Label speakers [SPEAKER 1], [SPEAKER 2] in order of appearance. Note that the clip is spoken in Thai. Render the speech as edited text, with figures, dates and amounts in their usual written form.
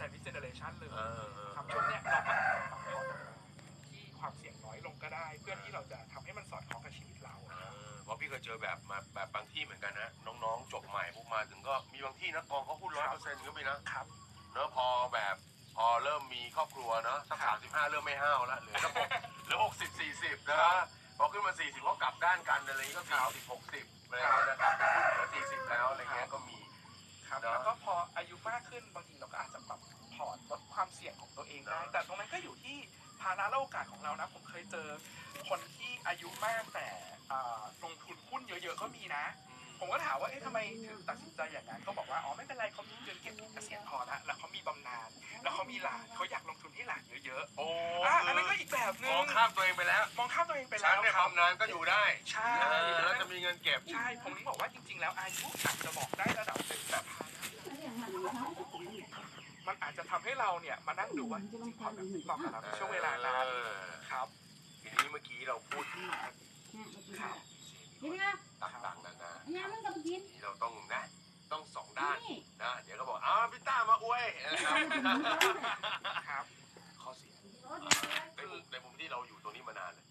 [SPEAKER 1] Chinese Generation เลยครับช่วงเนี้ยเราก็ปรับพอร์ตที่ความเสี่ยงน้อยลงก็ได้เพื่อที่เราจะทำให้มันสอดคล้องกับชีวิตเรา
[SPEAKER 2] เพราะพี่เคยเจอแบบบางที่เหมือนกันนะน้องๆจบใหม่พวกมาถึงก็มีบางที่นะกองเขาพูด100%ก็มีนะครับเนอะพอเริ่มมีครอบครัวเนอะสัก35เริ่มไม่ห้าวแล้วเหลือสักเหลือ60-40นะพอขึ้นมา40ก็กลับด้านกันอะไรก็40-60อะไรนะครับเหลือ40แล้วอะไรเงี้ยก็มี
[SPEAKER 1] ครับแล้วก็พออายุมากขึ้นบางทีเราก็อาจจะปรับพอร์ตลดความเสี่ยงของตัวเองได้แต่ตรงนั้นก็อยู่ที่ภาระและโอกาสของเรานะผมเคยเจอคนที่อายุมากแต่ลงทุนหุ้นเยอะๆก็มีนะผมก็ถามว่าทำไมถึงตัดสินใจอย่างนั้นเขาบอกว่าไม่เป็นไรเขามีเงินเก็บเกษียณพอแล้วเขามีบำนาญแล้วเขามีหลานเขาอยากลงทุนให้หลานเยอะๆอันนั้นก็อีกแบบนึง
[SPEAKER 2] มองข้ามตัวเองไปแล้วฉันเนี่ยบำนาญก็อยู่ได้
[SPEAKER 1] ใช่
[SPEAKER 2] แล้วจะมีเงินเก็บ
[SPEAKER 1] ใช่ผมถึงบอกว่าจริงๆแล้วอายุอาจจะบอกได้ระดับหนึ่งแต่มันอาจจะทำให้เราเนี่ยมานั่งดูว่าจริงๆพอแบบเหมาะกับเราในช่วงเวลานั้นครับ
[SPEAKER 2] ทีนี้เมื่อกี้เราพูดถึง
[SPEAKER 1] ครับ
[SPEAKER 2] ต่างๆนานาที่เราต้องสองด้านนะเดี๋ยวก็บอกพี่ต้ามาอวยนะครับข้อเสียในมุมที่เราอยู่ตรงนี้มานาน